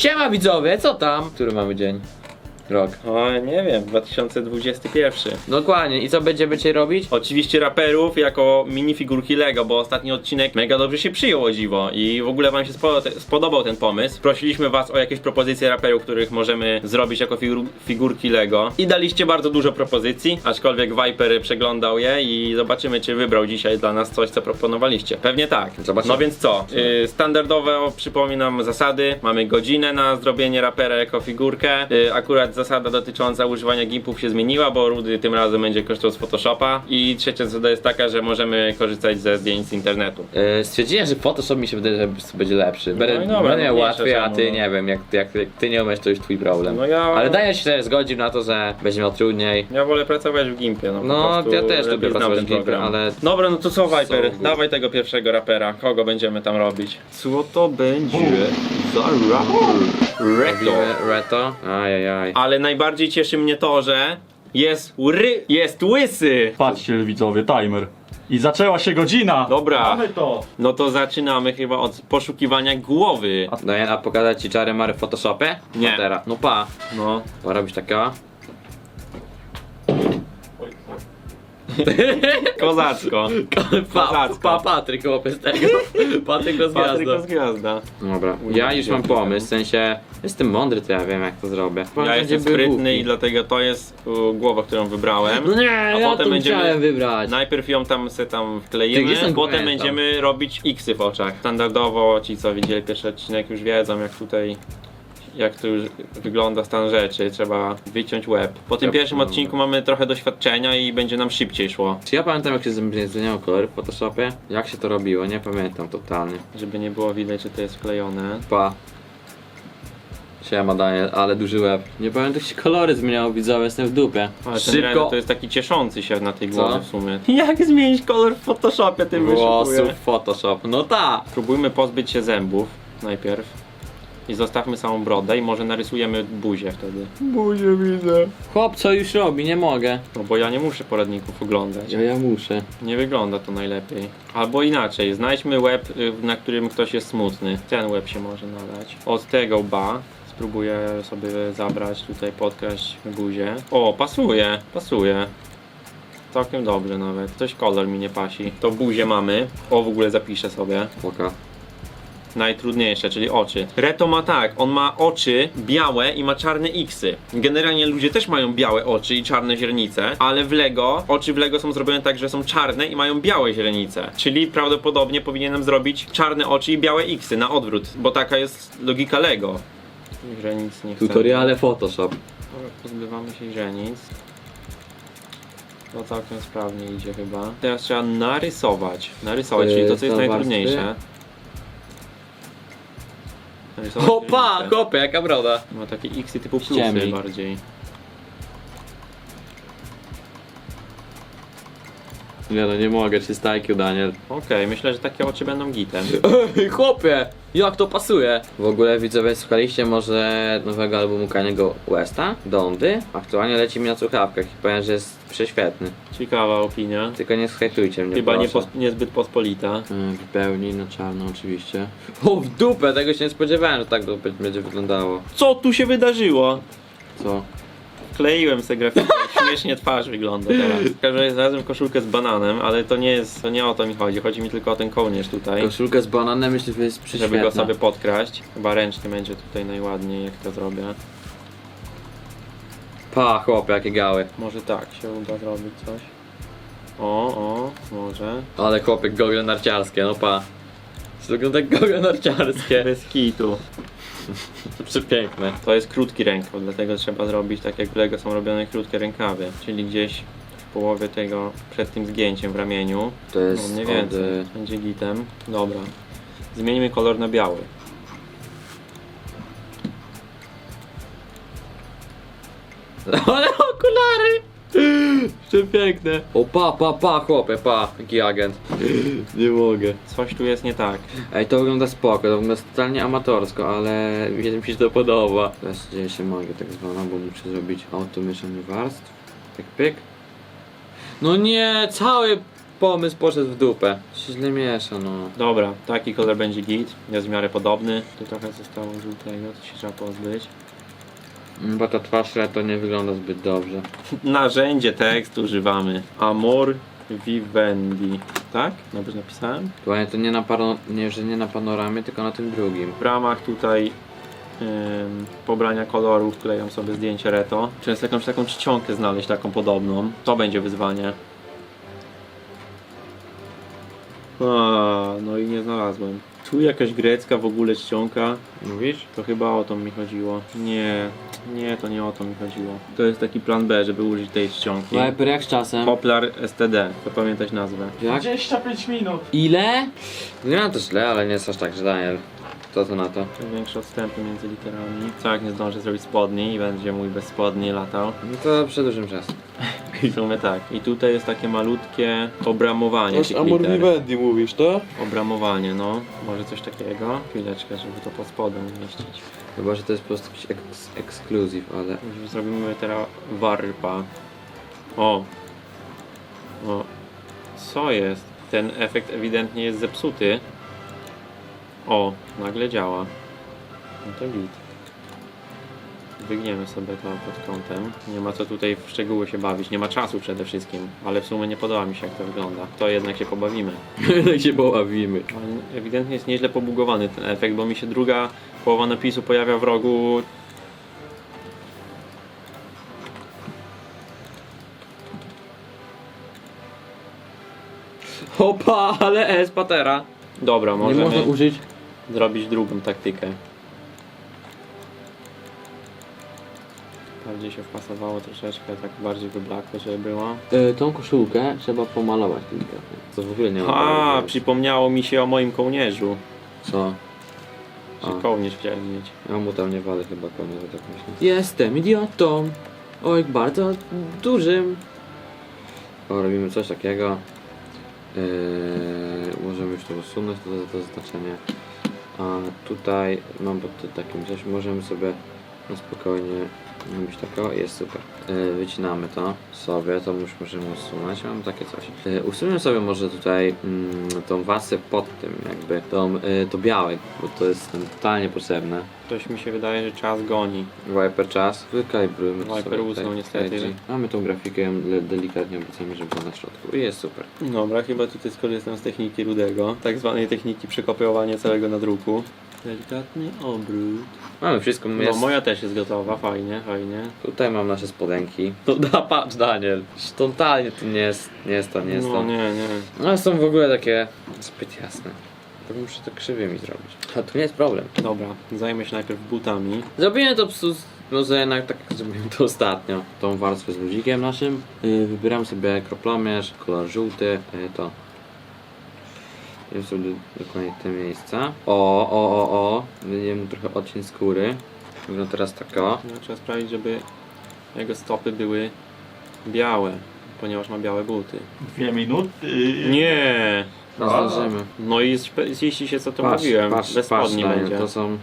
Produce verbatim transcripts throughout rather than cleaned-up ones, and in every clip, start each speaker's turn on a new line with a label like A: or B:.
A: Siema widzowie, co tam? Który mamy dzień? Rok.
B: O, nie wiem, dwa tysiące dwudziesty pierwszy.
A: Dokładnie, i co będziemy dzisiaj robić?
B: Oczywiście raperów jako minifigurki Lego, bo ostatni odcinek mega dobrze się przyjął, o dziwo. I w ogóle wam się spo spodobał ten pomysł. Prosiliśmy was o jakieś propozycje raperów, których możemy zrobić jako figur figurki Lego. I daliście bardzo dużo propozycji, aczkolwiek Viper przeglądał je i zobaczymy, czy wybrał dzisiaj dla nas coś, co proponowaliście. Pewnie tak.
A: Zobaczymy.
B: No więc co? Yy, standardowo przypominam zasady. Mamy godzinę na zrobienie rapera jako figurkę. Yy, akurat zasada dotycząca używania gimpów się zmieniła, bo Rudy tym razem będzie korzystał z Photoshopa. I trzecia zasada jest taka, że możemy korzystać ze zdjęć z internetu.
A: Yy, stwierdziłem, że Photoshop mi się wydaje, że będzie lepszy.
B: No i
A: Będę
B: dobra,
A: będę miał
B: no
A: łatwiej, a
B: czemu,
A: ty
B: no.
A: nie wiem, jak, jak, jak ty nie umiesz, to już twój problem.
B: No ja...
A: Ale daję się też zgodzić na to, że będzie miał trudniej.
B: Ja wolę pracować w gimpie, no, po
A: No,
B: prostu
A: ja też
B: lepiej
A: lubię
B: znam
A: pracować
B: ten
A: w gimpie,
B: program.
A: ale...
B: Dobra, no to co Viper?
A: So good.
B: Dawaj tego pierwszego rapera. Kogo będziemy tam robić? Co to będzie za raper? Reto.
A: Robimy Reto. Ajajaj.
B: Ale najbardziej cieszy mnie to, że jest ry... jest łysy!
C: Patrzcie widzowie, timer. I zaczęła się godzina!
B: Dobra.
C: Mamy to!
B: No to zaczynamy chyba od poszukiwania głowy.
A: No ja pokazać ci czary mary w Photoshopie?
B: Nie.
A: No teraz. No pa.
B: No.
A: Pa robisz takiego.
B: Kozacko.
A: Pa,
B: Kozacko.
A: pa Patryk chłopie z tego. Patryk rozgwiazda.
B: Patryk gwiazda.
A: Dobra, ja już mam pomysł, w sensie jestem mądry, to ja wiem jak to zrobię.
B: Ja jestem
A: Będzie był
B: sprytny
A: głupi.
B: i dlatego to jest u, głowa, którą wybrałem.
A: No nie,
B: A
A: ja
B: potem
A: to
B: będziemy-
A: chciałem wybrać.
B: Najpierw ją tam se tam
A: Ty,
B: wkleimy,
A: jestem
B: potem
A: pamiętam.
B: będziemy robić X-y w oczach. Standardowo ci co widzieli pierwszy odcinek już wiedzą jak tutaj jak to już wygląda stan rzeczy, trzeba wyciąć łeb. Po tym
A: Ja-
B: pierwszym
A: no.
B: odcinku mamy trochę doświadczenia i będzie nam szybciej szło.
A: Czy ja pamiętam jak się zmieniało kolory w Photoshopie? Jak się to robiło? Nie pamiętam totalnie.
B: Żeby nie było widać, że to jest wklejone.
A: Pa. Siema Daniel, ale duży łeb. Nie pamiętam jak się kolory zmieniało, widzowie, jestem w dupie.
B: Ale ten
A: Szybko.
B: Reno to jest taki cieszący się na tej
A: Co?
B: głowie w sumie. Jak zmienić kolor w Photoshopie, tym
A: włosów
B: wyszukuję.
A: Photoshop. No ta.
B: Spróbujmy pozbyć się zębów najpierw. I zostawmy samą brodę i może narysujemy buzię wtedy. Buzię widzę.
A: Chłop co już robi, nie mogę.
B: No bo ja nie muszę poradników oglądać.
A: Ja, ja muszę.
B: Nie wygląda to najlepiej. Albo inaczej, znajdźmy łeb, y, na którym ktoś jest smutny. Ten łeb się może nadać. Od tego łba spróbuję sobie zabrać, tutaj podkraść buzię. O, pasuje, pasuje. Całkiem dobrze nawet. Coś kolor mi nie pasi. To buzię mamy. O, w ogóle zapiszę sobie.
A: Poka.
B: Najtrudniejsze, czyli oczy. Reto ma tak, on ma oczy białe i ma czarne X-y. Generalnie ludzie też mają białe oczy i czarne źrenice, ale w Lego, oczy w Lego są zrobione tak, że są czarne i mają białe źrenice. Czyli prawdopodobnie powinienem zrobić czarne oczy i białe X-y na odwrót, bo taka jest logika Lego. Źrenic nie chcę.
A: Tutoriale Photoshop.
B: Dobra, pozbywamy się źrenic. No całkiem sprawnie idzie chyba. Teraz trzeba narysować. Narysować, czyli to co jest
A: Te
B: najtrudniejsze.
A: warstwy?
B: Narysować
A: Opa,
B: źrenice.
A: chłopie, jaka broda.
B: Ma takie X typu plusy
A: Ściemnik.
B: bardziej.
A: Nie no, nie mogę, trzysta I Q Daniel.
B: Okej, myślę, że takie oczy będą gitem.
A: Ej, chłopie, jak to pasuje? W ogóle widzowie, słuchaliście może nowego albumu Kaniego Westa? Dondy? Aktualnie leci mi na słuchawkach i powiem, że jest prześwietny.
B: Ciekawa opinia.
A: Tylko nie schejtujcie mnie,
B: Chyba nie
A: proszę.
B: pos niezbyt pospolita.
A: Yy, W pełni, na czarno oczywiście. O, w dupę, tego się nie spodziewałem, że tak to będzie wyglądało.
B: Co tu się wydarzyło?
A: Co?
B: Kleiłem sobie grafikę, śmiesznie twarz wygląda teraz. Każdy znalazłem koszulkę z bananem, ale to nie jest, to nie o to mi chodzi. Chodzi mi tylko o ten kołnierz tutaj.
A: Koszulkę z bananem myślę, że jest
B: Żeby
A: prześwietna.
B: go sobie podkraść. Chyba ręcznie będzie tutaj najładniej, jak to zrobię.
A: Pa, chłopie, jakie gały.
B: Może tak się uda zrobić coś. O, o, może.
A: Ale chłopie, gogle narciarskie, no pa. To wygląda jak gogle narciarskie.
B: Bez kitu.
A: Przepiękne.
B: To jest krótki rękaw, dlatego trzeba zrobić tak jak w Lego są robione krótkie rękawy. Czyli gdzieś w połowie tego, przed tym zgięciem w ramieniu.
A: To
B: No
A: jest
B: mniej
A: od,
B: więcej.
A: y,
B: Będzie gitem. Dobra. Zmienimy kolor na biały.
A: Ale okulary! Przepiękne. O pa, pa, pa, chłopie, pa. Jaki agent. Nie mogę.
B: Coś tu jest nie tak.
A: Ej, to wygląda spoko, to wygląda totalnie amatorsko, ale mi się to podoba. Teraz dzieje się magia tak zwana, bo muszę zrobić automieszanie warstw. Tak pyk. No nie, cały pomysł poszedł w dupę. Się źle miesza, no.
B: Dobra, taki kolor będzie git, jest w miarę podobny. Tu trochę zostało żółtego, to się trzeba pozbyć.
A: Bo ta twarz to nie wygląda zbyt dobrze.
B: Narzędzie tekstu używamy. Amor Vivendi. Tak? Dobrze napisałem?
A: Dokładnie to nie na, paro... nie, że nie na panoramie, tylko na tym drugim.
B: W ramach tutaj ym, pobrania kolorów klejam sobie zdjęcie reto. Czy jest jakąś taką czcionkę znaleźć, taką podobną? To będzie wyzwanie. A, no i nie znalazłem. Tu jakaś grecka w ogóle czcionka.
A: Mówisz?
B: To chyba o to mi chodziło. Nie, nie, to nie o to mi chodziło. To jest taki plan B, żeby użyć tej czcionki.
A: Viper jak z czasem?
B: Poplar S T D, zapamiętać nazwę.
A: Jak?
C: dwadzieścia pięć minut.
A: Ile? Nie mam to źle, ale nie jest aż tak, że Daniel. Co to na to?
B: Większe odstępy między literami. Co jak nie zdążę zrobić spodni i będzie mój bez spodni latał.
A: No to przedłużym czas.
B: I w sumie tak. I tutaj jest takie malutkie obramowanie tych
D: Amor
B: liter.
D: Vivendi mówisz, to?
B: Obramowanie, no. Może coś takiego. Chwileczkę, żeby to pod spodem umieścić.
A: Chyba, że to jest po prostu jakiś eks ekskluzyw, ale...
B: Zrobimy teraz warpa. O. O. Co jest? Ten efekt ewidentnie jest zepsuty. O, nagle działa. No to git. Wygniemy sobie to pod kątem. Nie ma co tutaj w szczegóły się bawić. Nie ma czasu przede wszystkim. Ale w sumie nie podoba mi się, jak to wygląda. To jednak się pobawimy.
A: Jak się poławimy.
B: Ale ewidentnie jest nieźle pobugowany ten efekt, bo mi się druga połowa napisu pojawia w rogu.
A: Opa, ale S, patera.
B: Dobra,
A: Nie
B: możemy
A: można użyć...
B: zrobić drugą taktykę. Bardziej się wpasowało troszeczkę, tak bardziej wyblakłe, żeby było.
A: E, tą koszulkę trzeba pomalować delikatnie. Co w ogóle nie ma.
B: A,
A: bardzo
B: przypomniało mi się o moim kołnierzu.
A: Co?
B: Że
A: A.
B: kołnierz chciałem mieć.
A: Ja mu tam nie walę chyba konia, tak myślę. Jestem idiotą. Oj, bardzo dużym. O, robimy coś takiego. Yy, możemy już to usunąć, to, to, to znaczenie. A tutaj mam pod takim coś, możemy sobie na spokojnie robić takiego, jest super. Yy, wycinamy to sobie, to już możemy usunąć, mam takie coś. Yy, usuniemy sobie może tutaj mm, tą wasę pod tym, jakby tą, yy, to białe, bo to jest nam totalnie potrzebne.
B: Coś mi się wydaje, że czas goni.
A: Viper czas, wykalibrujmy to
B: Viper
A: sobie
B: usnął
A: tutaj,
B: niestety.
A: tutaj. Mamy tą grafikę, ją le- delikatnie obracamy, żeby była na środku i jest super.
B: Dobra, chyba tutaj skorzystam z techniki rudego, tak zwanej techniki przekopiowania całego nadruku. Delikatny obrót.
A: Mamy wszystko,
B: No
A: jest...
B: moja też jest gotowa, fajnie, fajnie.
A: Tutaj mam nasze spodenki. No da, patrz Daniel, totalnie to nie jest, nie jest to, nie jest
B: No
A: to.
B: nie, nie.
A: No są w ogóle takie zbyt jasne. To muszę to krzywymi zrobić. A to nie jest problem.
B: Dobra, zajmę się najpierw butami.
A: Zrobiłem to psu, może jednak tak jak zrobiłem to ostatnio. Tą warstwę z luzikiem naszym. Yy, wybieram sobie kroplomierz, kolor żółty, yy, to. Wiem sobie dokładnie te miejsca. O, o, o, o. Wyjdziemy trochę odcień skóry. Wygląda teraz tak o.
B: No, trzeba sprawić, żeby jego stopy były białe, ponieważ ma białe buty.
C: Dwie minuty.
B: Nie!
A: No zdążymy.
B: No i zpe- ziści się co to
A: Patrz,
B: mówiłem,
A: patrz,
B: bez
A: patrz,
B: spodni
A: Daniel,
B: będzie.
A: to są...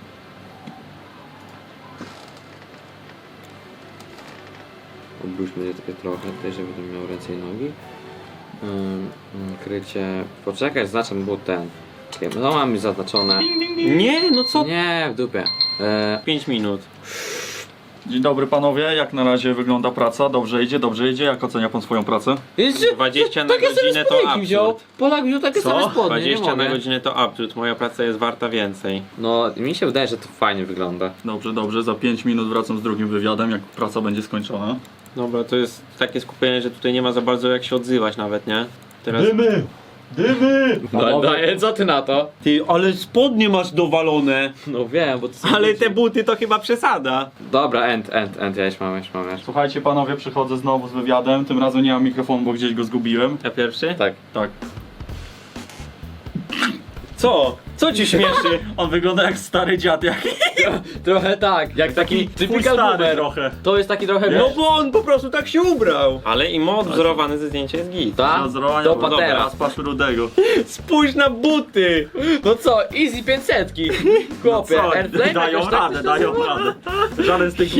A: Obróćmy je takie trochę tutaj, żeby to miał ręce i nogi. Ym, krycie... Poczekaj, zaznaczam, był ten. Czekaj, no mam zaznaczone.
B: Nie, no co?
A: Nie, w dupie. E,
B: pięć minut.
C: Dzień dobry panowie, jak na razie wygląda praca? Dobrze idzie, dobrze idzie. Jak ocenia pan swoją pracę?
A: jeszcze,
B: dwadzieścia na
A: takie same
B: godzinę to
A: spodenki wziął.
B: absurd.
A: Polak wziął takie
C: Co?
A: same spodnie, nie
B: dwadzieścia na
A: mogę.
B: godzinę to absurd, moja praca jest warta więcej.
A: No, mi się wydaje, że to fajnie wygląda.
C: Dobrze, dobrze. Za pięć minut wracam z drugim wywiadem, jak praca będzie skończona.
B: Dobra, to jest takie skupienie, że tutaj nie ma za bardzo jak się odzywać nawet, nie? Teraz...
C: Dymy! Dymy!
A: No, Daniel, co ty na to?
B: Ty, ale spodnie masz dowalone!
A: No wiem, bo to są...
B: Ale te buty to chyba przesada.
A: Dobra, end, end, end, ja już mam, już mam, już.
C: Słuchajcie panowie, przychodzę znowu z wywiadem. Tym razem nie mam mikrofonu, bo gdzieś go zgubiłem.
B: Ja pierwszy?
A: Tak.
C: Tak.
B: Co? Co ci śmieszy?
C: On wygląda jak stary dziad, jak
A: Trochę tak, jak taki
C: twój
A: typical
C: stary
A: boomer.
C: trochę.
A: To jest taki trochę...
B: No bo on po prostu tak się ubrał. Ale i mod wzorowany ze zdjęcia jest git.
A: Ta?
C: Rozrowania,
A: To
C: dobra,
A: patera.
C: teraz patrz rudego.
B: Spójrz na buty!
A: No co, easy pięćsetki. Chłopie,
C: Co?
A: Airplane
C: Dają
A: jakoś tak
C: radę,
A: to się
C: dają
A: nazywa?
C: radę. Żaden z tych...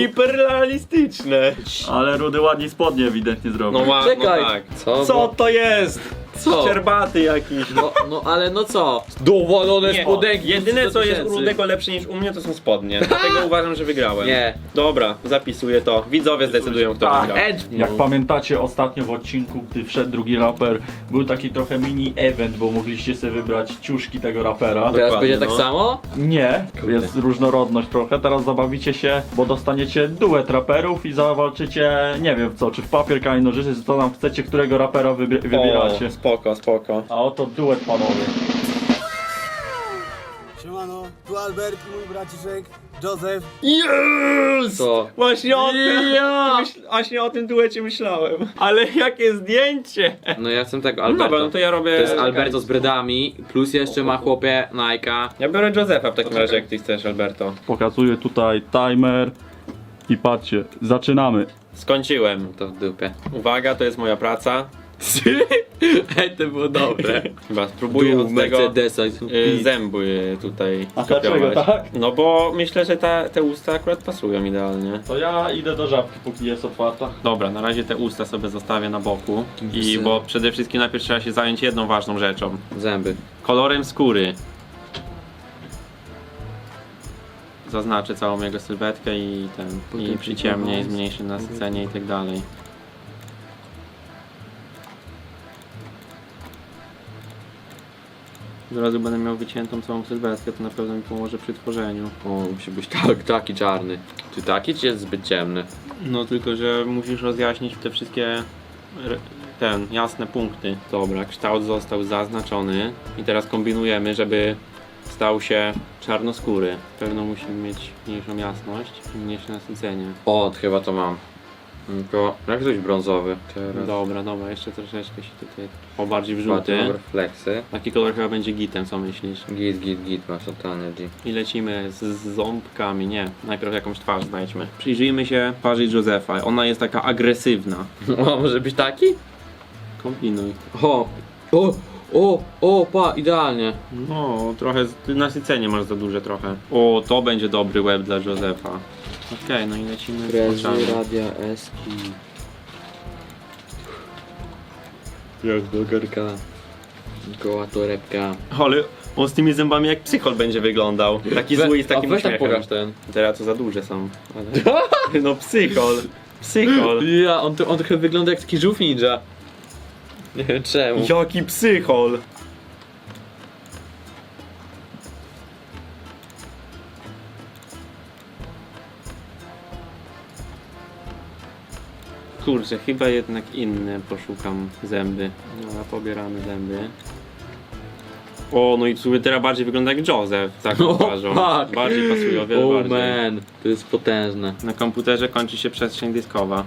B: Hiperrealistyczne.
C: Ale rudy ładnie spodnie ewidentnie zrobił.
B: No, ła-
A: Czekaj.
B: no tak.
A: Co?
B: Co
A: Bo-
B: to jest?
A: Co?
B: Szczerbaty jakiś.
A: No, no ale no co? Dowolone
B: Nie,
A: spodenki.
B: jedyne co jest u
A: tysięcy.
B: Rudego lepsze niż u mnie to są spodnie. Dlatego uważam, że wygrałem.
A: Nie.
B: Dobra, zapisuję to. Widzowie zdecydują kto
C: Tak.
B: wygrał.
A: Edge.
C: Jak pamiętacie ostatnio w odcinku, gdy wszedł drugi raper, był taki trochę mini event, bo mogliście sobie wybrać ciuszki tego rapera.
A: Teraz
B: Dokładnie,
A: będzie tak
B: no.
A: samo?
C: Nie,
A: Kurde.
C: jest różnorodność trochę. Teraz zabawicie się, bo dostaniecie duet raperów i zawalczycie, nie wiem w co, czy w papier, kamień, nożyce, co tam chcecie, którego rapera wybie- wybieracie.
B: O, spoko, spoko.
C: A oto duet panowie.
D: Siemano, tu Albert i mój braciszek Józef.
B: Yes!
A: Co?
B: Właśnie o tym,
A: Ja!
B: myśl, właśnie o tym duecie myślałem. Ale jakie zdjęcie!
A: No ja chcę tego,
B: No
A: Alberto.
B: dobra, no to ja robię...
A: To jest Alberto z bredami, plus jeszcze ma chłopie Nike'a.
B: Ja biorę Józefa w takim razie, jak ty chcesz, Alberto.
C: Pokazuję tutaj timer i patrzcie, zaczynamy.
B: Skończyłem.
A: To w dupie.
B: Uwaga, to jest moja praca.
A: Ej, to było dobre.
B: Chyba spróbuję
A: Dół
B: od tego
A: Mercedesa.
B: y, zęby tutaj
C: A dlaczego tak?
B: No bo myślę, że ta, te usta akurat pasują idealnie.
C: To ja idę do żabki, póki jest otwarta.
B: Dobra, na razie te usta sobie zostawię na boku. I
A: Wysy-
B: bo przede wszystkim najpierw trzeba się zająć jedną ważną rzeczą.
A: Zęby.
B: Kolorem skóry. Zaznaczę całą jego sylwetkę i ten. I
A: Potem
B: przyciemnię, i
A: tylko-
B: zmniejszę nasycenie i tak dalej. Od razu będę miał wyciętą całą sylwetkę, to na pewno mi pomoże przy tworzeniu.
A: O, musi być tak, taki czarny. Czy taki, czy jest zbyt ciemny?
B: No tylko, że musisz rozjaśnić te wszystkie re- ten, jasne punkty. Dobra, kształt został zaznaczony i teraz kombinujemy, żeby stał się czarnoskóry. Pewno musimy mieć mniejszą jasność i mniejsze nasycenie.
A: O, chyba to mam. Tylko, jak coś brązowy. Teraz.
B: Dobra, dobra, jeszcze troszeczkę się tutaj o bardziej w
A: Ładne
B: żółty.
A: refleksy.
B: Taki kolor chyba będzie gitem, co myślisz?
A: Git, git, git, masz totalny G.
B: I lecimy z, z ząbkami, nie. Najpierw jakąś twarz znajdźmy. Przyjrzyjmy się twarzy Józefa. Ona jest taka agresywna.
A: O, może być taki?
B: Kombinuj.
A: O, o, o, o, pa, idealnie.
B: No, trochę z- ty nasycenie masz za duże trochę. O, to będzie dobry łeb dla Józefa. Okej, no i lecimy z
A: Frezy,
B: oczami.
A: radia, eski. Jak blogerka. Goła torebka.
B: Ale on z tymi zębami jak psychol będzie wyglądał. Taki zły i z takim
A: A weź tak
B: uśmiechem.
A: pokaż ten.
B: Teraz to za duże są. Ale... No psychol. Psychol.
A: Ja, on, to, on trochę wygląda jak taki żółw ninja. Nie wiem czemu.
B: Jaki psychol. Kurczę, chyba jednak inne poszukam zęby. No, pobieramy zęby. O, no i w sumie teraz bardziej wygląda jak Józef, z taką twarzą.
A: fuck.
B: Bardziej pasuje, o wiele
A: Oh
B: bardziej.
A: man, to jest potężne.
B: Na komputerze kończy się przestrzeń dyskowa.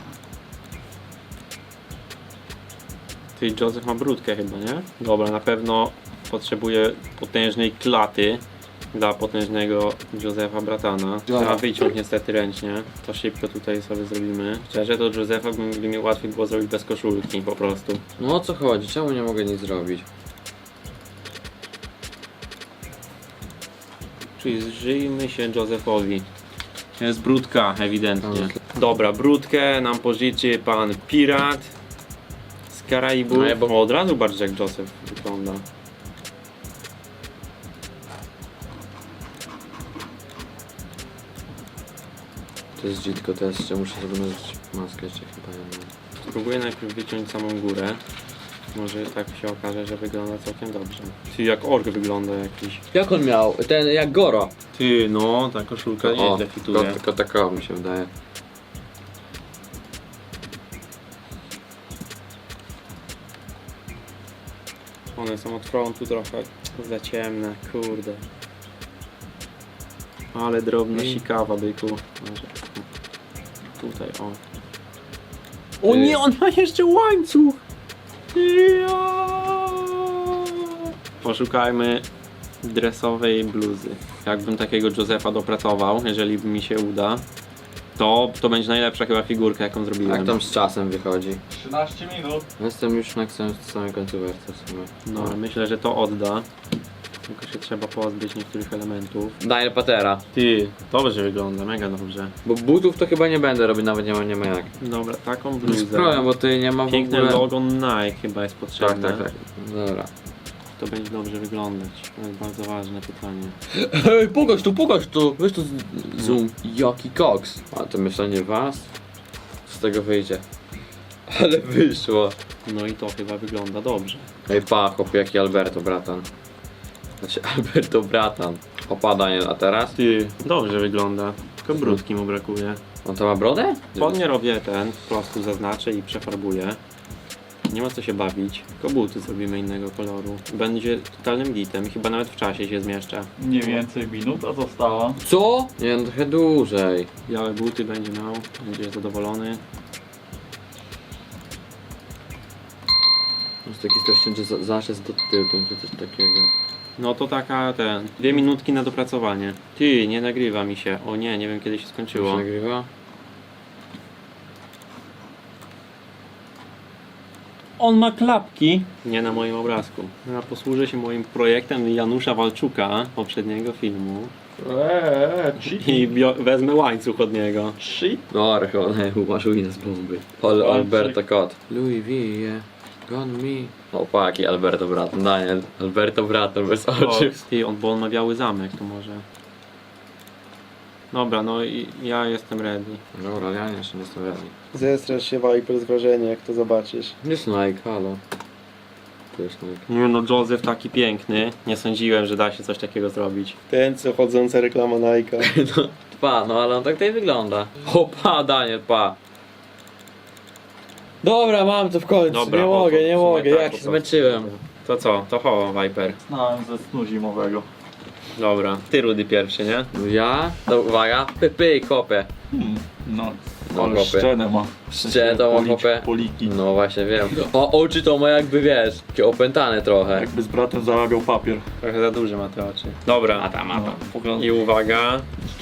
B: Ty, Józef ma brudkę chyba, nie? Dobra, na pewno potrzebuje potężnej klaty dla potężnego Józefa Bratana. Trzeba wyciąć niestety ręcznie. To szybko tutaj sobie zrobimy. Szczerze, to Józefa by, by mi łatwiej było zrobić bez koszulki po prostu.
A: No o co chodzi? Czemu nie mogę nic zrobić?
B: Przyjrzyjmy się Józefowi. Jest brudka, ewidentnie.
A: Tak.
B: Dobra, brudkę nam pożyczy pan pirat z Karaibów.
A: No ja bo-
B: O, od razu bardziej jak Józef wygląda.
A: To jest dzitko, to jeszcze muszę sobie nałożyć maskę jeszcze chyba jedną.
B: Spróbuję najpierw wyciąć samą górę. Może tak się okaże, że wygląda całkiem dobrze. Ty, jak ork wygląda jakiś.
A: Jak on miał? Ten jak Goro.
B: Ty, no, ta koszulka
A: O,
B: nieźle fituje.
A: tylko, tylko takowa mi się wydaje.
B: One są od frontu trochę za ciemne, kurde. Ale drobna
A: I-
B: sikawa, byku. Może- Tutaj, o.
A: Ty.
B: O nie, on ma jeszcze łańcuch! Ja! Poszukajmy dresowej bluzy. Jakbym takiego Józefa dopracował, jeżeli mi się uda, to, to będzie najlepsza chyba figurka, jaką zrobiłem.
A: Jak tam z czasem wychodzi?
C: trzynaście minut.
A: Jestem już na samym samej końcówce w sumie.
B: No, myślę, że to odda. Tylko się trzeba pozbyć niektórych elementów.
A: Daniel Patera.
B: Ty, dobrze wygląda, mega dobrze.
A: Bo butów to chyba nie będę robić, nawet nie ma, nie ma jak.
B: Dobra, taką
A: Z
B: bluzę.
A: problem, bo ty nie ma w
B: Piękne
A: ogóle...
B: logo Nike chyba jest
A: Tak,
B: potrzebne.
A: tak, tak. Dobra.
B: To będzie dobrze wyglądać. To jest bardzo ważne pytanie.
A: Hej, pokaż tu, pokaż tu! Weź tu z- zoom. Jaki koks. A to myślenie was? Z tego wyjdzie. Ale wyszło.
B: No i to chyba wygląda dobrze.
A: Ej, pa, chłopie, jaki Alberto, bratan. Znaczy, Alberto, bratan. Opa, Daniel, a teraz?
B: Ty, dobrze wygląda. Tylko brudki mu brakuje.
A: On to ma brodę?
B: Spodnie robię ten, po prostu zaznaczę i przefarbuję. Nie ma co się bawić. Tylko buty zrobimy innego koloru. Będzie totalnym gitem i chyba nawet w czasie się zmieszczę.
C: Mniej więcej minuta została.
A: Co? Nie, no trochę dłużej.
B: Białe buty będzie miał, będzie zadowolony.
A: Jest taki strasznie, że za- zaraz do tyłu, czy coś takiego.
B: No to taka ten, dwie minutki na dopracowanie. Ty, nie nagrywa mi się. O nie, nie wiem kiedy się
A: Czy
B: skończyło.
A: nagrywa?
B: On ma klapki. Nie na moim obrazku. Ja posłużę się moim projektem Janusza Walczuka, poprzedniego filmu.
C: Eee,
B: I bio- wezmę łańcuch od niego.
C: shit.
A: No, archone, masz Wina z bomby. Al Alberto Kot. Louis V, yeah. Gone me. O, paki, Alberto Bratan, Daniel. Alberto Bratan, bez oczu.
B: Ty, on, bo on ma biały zamek, to może. Dobra, no i ja jestem ready.
A: Dobra, ja nie jeszcze nie stawiali.
D: Zestrasz się, Viper, z wrażenia, jak to zobaczysz.
A: Jest Nike, halo. To jest Nike.
B: Nie no, Joseph taki piękny. Nie sądziłem, że da się coś takiego zrobić.
D: Ten, co chodząca reklama Nike'a.
A: No, pa, no ale on tak tutaj wygląda. O, pa, Daniel, pa. Dobra, mam to w końcu.
B: Dobra,
A: nie
B: o,
A: mogę,
B: to
A: nie
B: w sumie
A: mogę,
B: tak,
A: jak
B: po
A: się
B: prostu.
A: zmęczyłem.
B: To co? To ho, Viper.
C: Znałem ze snu zimowego.
B: Dobra, ty Rudy pierwszy, nie?
A: Ja? To uwaga, py, py, kopę.
C: Hmm, no,
A: No,
C: ale
A: chłopie.
C: szczenę ma.
A: Szczenę to ma,
C: Policz-
A: chłopie.
C: Poliki.
A: No właśnie wiem. O, oczy to ma jakby, wiesz, takie opętane trochę.
C: Jakby z bratem zarabiał papier.
B: Trochę za duże ma te oczy. Dobra.
A: Mata,
C: No,
A: mata.
C: pogląd-
B: I uwaga.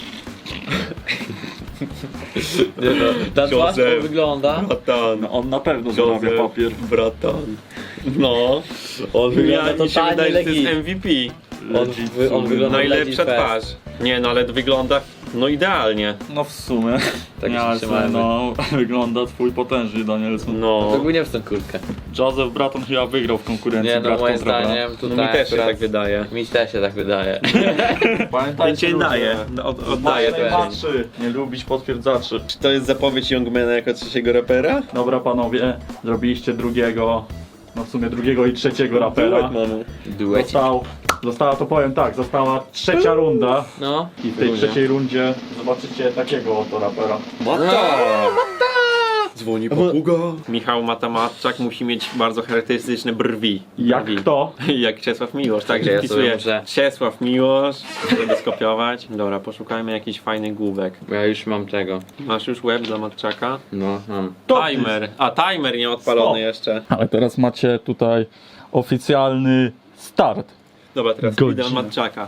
A: Nie no, ta twarz
B: Joseph.
A: wygląda.
B: Bratan.
C: No, on na pewno zarabia papier.
B: Bratan. No.
A: On wygląda
B: Ja, mi się
A: totalnie
B: wydaje, że to jest
A: legit.
B: M V P.
A: On, wy, on wygląda
B: Najlepsza
A: legit fest.
B: twarz. Nie no, ale wygląda no idealnie.
C: No w sumie.
A: Tak się
C: Ja
A: trzymajmy.
C: no, wygląda twój potężny Danielson.
B: No.
A: To ogólnie w tę kurtkę.
C: Joseph Braton chyba wygrał w konkurencji.
A: Nie no,
C: brat
A: moim
C: kontra brat.
A: zdaniem
B: No
A: tutaj
B: mi też się
A: akurat-
B: tak wydaje.
A: Mi też się tak wydaje.
C: Pamiętajcie,
B: Cię
C: ludzie,
B: daje. No, od,
C: Masz
B: oddaję to.
C: najmłodszy, nie lubić potwierdzaczy.
D: Czy to jest zapowiedź Youngmana jako trzeciego rapera?
C: Dobra panowie, zrobiliście drugiego, no w sumie drugiego i trzeciego rapera.
D: mamy.
A: Duecik.
C: Został, została, to powiem tak, została trzecia runda
A: No.
C: i w tej trzeciej rundzie zobaczycie takiego oto rapera.
D: Dzwoni papuga.
B: Michał Matamatczak musi mieć bardzo charakterystyczne brwi.
C: Jak
B: brwi.
C: kto?
B: Jak Czesław Miłosz, także
A: Ja
B: ja
A: sobie
B: wpisuję
A: muszę-
B: Czesław Miłosz, żeby skopiować. Dobra, poszukajmy jakichś fajnych główek.
A: Bo ja już mam tego.
B: Masz już web dla Matczaka?
A: No, mam.
B: Timer! A, timer nie odpalony
C: Stop.
B: jeszcze.
C: Ale teraz macie tutaj oficjalny start.
B: Dobra, teraz
C: Godzina.
B: idę od Matczaka.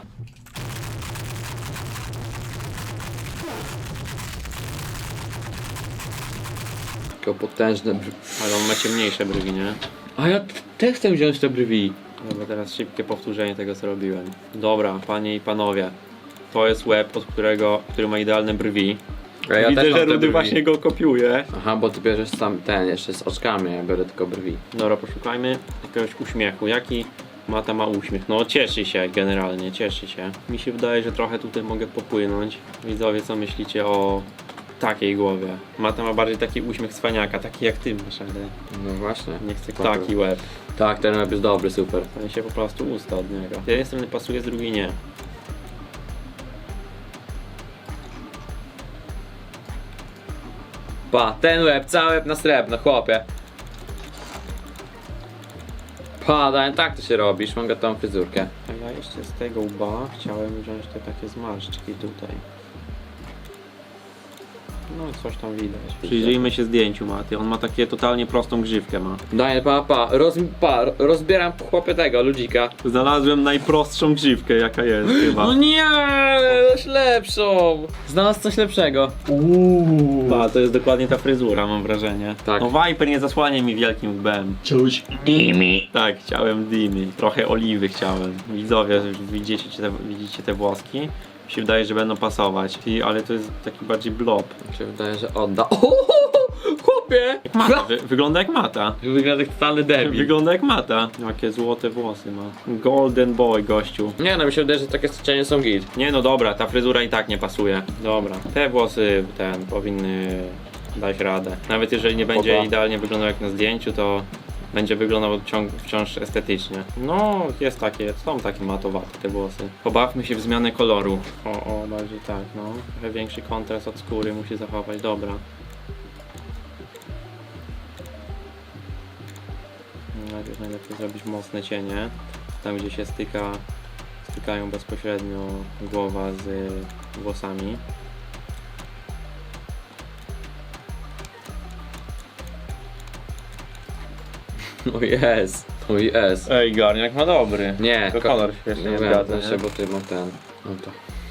A: Tylko potężne brwi.
B: Ale on ma ciemniejsze brwi, nie?
A: A ja też chcę wziąć te brwi.
B: Dobra, teraz szybkie powtórzenie tego, co robiłem. Dobra, panie i panowie. To jest web, od którego, który ma idealne brwi.
A: A ja
B: Widzę,
A: też mam
B: że
A: te
B: Rudy
A: brwi.
B: właśnie go kopiuje.
A: Aha, bo ty bierzesz sam ten, jeszcze z oczkami, ja biorę tylko brwi.
B: Dobra, poszukajmy jakiegoś uśmiechu. Jaki Mata ma uśmiech? No cieszy się generalnie, cieszy się. Mi się wydaje, że trochę tutaj mogę popłynąć. Widzowie, co myślicie o takiej głowie? Mata ma bardziej taki uśmiech cwaniaka, taki jak ty masz, ale
A: No właśnie.
B: nie chcę taki łeb.
A: Tak, ten web jest dobry, super.
B: W sensie po prostu usta od niego. Z jednej strony pasuje, z drugiej nie.
A: Pa, ten łeb, cały łeb na srebrno, chłopie. Pa, Daniel, tak to się robisz, mam gotową fryzurkę.
B: A ja jeszcze z tego łba chciałem wziąć te takie zmarszczki tutaj. No coś tam widać. Przyjrzyjmy się zdjęciu Maty. On ma takie totalnie prostą grzywkę ma.
A: Daniel, pa, pa, roz, pa, rozbieram chłopie tego ludzika.
B: Znalazłem najprostszą grzywkę jaka jest chyba.
A: No nie, coś lepszą. Znalazł coś lepszego.
C: Uuu.
B: Pa, to jest dokładnie ta fryzura, mam wrażenie.
A: Tak.
B: No Viper nie zasłania mi wielkim łbem.
C: Czuć.
B: Tak, chciałem dymy. Trochę oliwy chciałem. Widzowie, widzicie te, widzicie te włoski? Mi się wydaje, że będą pasować. I, ale to jest taki bardziej blob.
A: Mi się wydaje, że odda. O, chłopie!
B: Mata. Wy, wygląda jak Mata.
A: Wygląda jak totalny debil.
B: Wygląda jak Mata. Jakie złote włosy ma. Golden boy, gościu.
A: Nie no, mi się wydaje, że takie cienie są git.
B: Nie no dobra, ta fryzura i tak nie pasuje. Dobra, te włosy ten powinny dać radę. Nawet jeżeli nie będzie
A: Spoko.
B: idealnie wyglądał jak na zdjęciu, to będzie wyglądał ciąg, wciąż estetycznie. No, jest takie, są takie matowate te włosy. Pobawmy się w zmianę koloru. O, o, bardziej tak, no. Trochę większy kontrast od skóry musi zachować, dobra. Najpierw najlepiej zrobić mocne cienie. Tam gdzie się styka, stykają bezpośrednio głowa z włosami.
A: O jest, o jest.
B: Ej, garniak ma dobry.
A: Nie,
B: To kolor świetnie
A: nie
B: nie
A: wiem,
B: zgadza,
A: jeszcze,
B: nie?
A: bo ty mam ten. No to.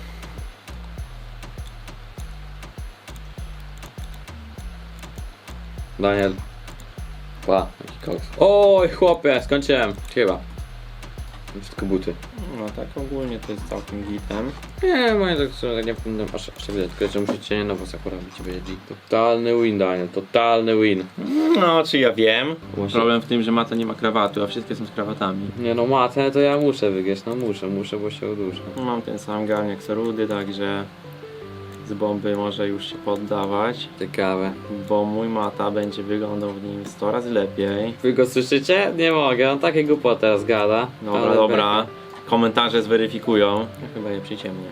A: Daniel. Pa, jaki koks. Oj, chłopie, skończyłem. Chyba. Wszystko buty.
B: No tak ogólnie to jest całkiem gitem.
A: Nie, moje tak są, tak nie będą aż, aż tak widać, tylko że muszę cienie na włosach robić, będzie G. Totalny win, Daniel, totalny win.
B: No, czy ja wiem.
A: Właśnie-
B: Problem w tym, że Mata nie ma krawatu, a wszystkie są z krawatami.
A: Nie no, matę to ja muszę wygrać, no muszę, muszę, bo się uduszę.
B: Mam ten sam garniak co Rudy, także z bomby może już się poddawać,
A: Ciekawe.
B: bo mój Mata będzie wyglądał w nim sto razy lepiej.
A: Wy go słyszycie? Nie mogę, on takie głupoty teraz gada.
B: Dobra,
A: Ale
B: dobra. Komentarze zweryfikują. Ja chyba je przyciemnię.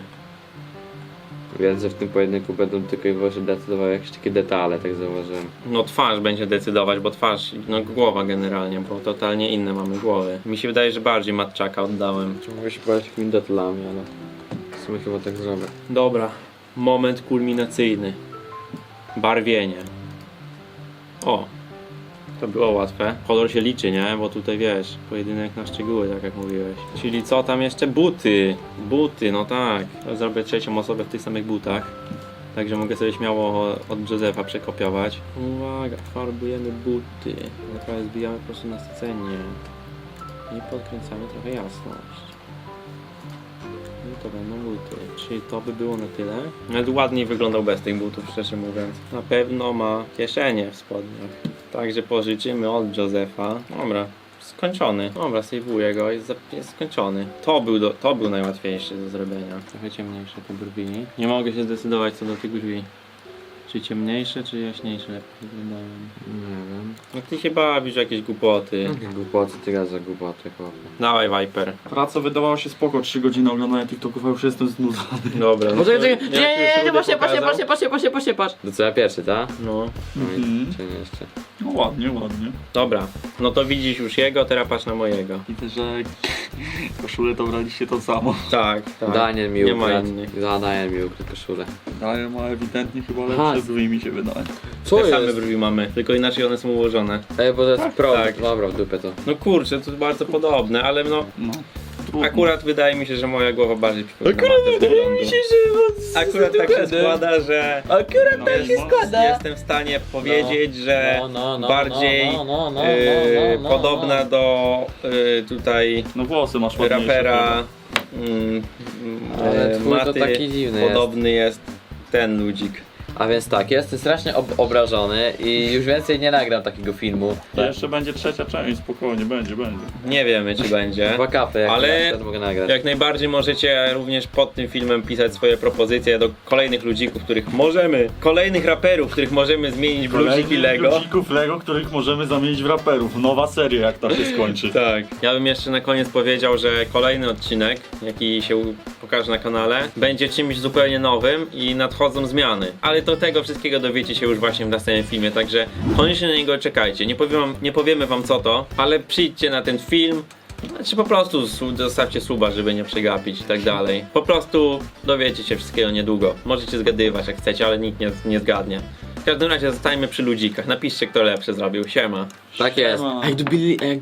A: Wiem, że w tym pojedynku będą tylko i wyłącznie decydowały jakieś takie detale, tak zauważyłem.
B: No twarz będzie decydować, bo twarz, no głowa generalnie, bo totalnie inne mamy głowy. Mi się wydaje, że bardziej matczaka oddałem.
A: Czy mogę się bawić jakimiś detalami, ale w sumie chyba tak zrobię.
B: Dobra, moment kulminacyjny. Barwienie. O, to było łatwe. Kolor się liczy, nie? Bo tutaj wiesz, pojedynek na szczegóły, tak jak mówiłeś. Czyli co tam jeszcze? Buty. Buty, no tak. Zrobię trzecią osobę w tych samych butach. Także mogę sobie śmiało od Józefa przekopiować. Uwaga, farbujemy buty. Teraz zbijamy po prostu na scenie. I podkręcamy trochę jasność. I to będą buty. Czyli to by było na tyle. Nawet ładniej wyglądał bez tych butów, szczerze mówiąc. Na pewno ma kieszenie w spodniach. Także pożyczymy od Józefa. Dobra, skończony. Dobra, sejwuję go, jest, za- jest skończony. To był, do, to był najłatwiejszy do zrobienia. Trochę ciemniejsze te brwi. Nie mogę się zdecydować co do tych brwi. Czy ciemniejsze, czy jaśniejsze lepiej wyglądają.
A: Nie wiem.
B: No ty się bawisz w jakieś głupoty.
A: Jakie głupoty, ty gada za głupoty, chłopie.
B: Dawaj Viper.
C: Praca wydawała się spoko, trzy godziny oglądania TikToków, a już jestem znudzony.
B: Dobra. No
A: Poczekaj,
B: to
A: czekaj, nie,
B: jak
A: nie,
B: już
A: nie, nie,
B: Rudy
A: patrzcie, patrzcie,
B: pokazał-
A: patrzcie, patrzcie, patrzcie, patrzcie, patrz. To co, ja pierwszy, tak?
B: No.
A: No i
C: Mhm.
A: cię nie jeszcze.
C: No ładnie, ładnie.
B: Dobra, no to widzisz już jego, teraz patrz na mojego.
C: Widzę, że koszulę to braliście to samo.
B: Tak, tak.
A: Daniel mi
B: Nie ma
A: ukradł.
B: innych.
A: Da, Daniel mi ukradł koszulę.
C: Daję ma ewidentnie chyba
A: Aha.
C: lepsze brwi mi się wydaje.
A: Co
B: Te same
A: jest?
B: brwi mamy, tylko inaczej one są ułożone.
A: Ej, bo to jest pro.
B: tak.
A: Dobra, w dupę to.
B: No kurczę, to bardzo podobne, ale no
C: No. Trudno.
B: akurat wydaje mi się, że moja głowa bardziej przypomina Akurat wydaje mi się, że Akurat tak się składa, że
A: Akurat
C: No,
A: tak się
C: no,
A: składa.
B: jestem w stanie powiedzieć, że
A: No, no, no,
B: bardziej
A: no, no, no,
B: yy,
A: no, no,
B: podobna do yy, tutaj
C: No włosy masz ładniejsze.
B: rapera mm,
A: Ale
B: yy,
A: twój to
B: Maty,
A: taki dziwny jest.
B: podobny jest ten ludzik.
A: A więc tak, jestem strasznie ob obrażony i już więcej nie nagram takiego filmu.
C: To jeszcze będzie trzecia część, spokojnie, będzie, będzie.
B: Nie wiemy czy będzie.
A: Dwa kapy, jak
B: Ale
A: ja wtedy mogę nagrać.
B: Jak najbardziej możecie również pod tym filmem pisać swoje propozycje do kolejnych ludzików, których możemy, kolejnych raperów, których możemy zmienić w ludziki Lego.
C: ludzików Lego, których możemy zamienić w raperów. Nowa seria, jak ta się skończy.
B: Tak. Ja bym jeszcze na koniec powiedział, że kolejny odcinek, jaki się u- pokaże na kanale, będzie czymś zupełnie nowym i nadchodzą zmiany. Ale to tego wszystkiego dowiecie się już właśnie w następnym filmie, także koniecznie na niego czekajcie. Nie powiem wam, nie powiemy wam co to, ale przyjdźcie na ten film, Znaczy po prostu su- zostawcie suba, żeby nie przegapić i tak dalej. Po prostu dowiecie się wszystkiego niedługo. Możecie zgadywać jak chcecie, ale nikt nie, nie zgadnie. W każdym razie zostańmy przy ludzikach. Napiszcie, kto lepszy zrobił. Siema.
A: Tak jest.
C: Siema.
A: A jak dobili, a jak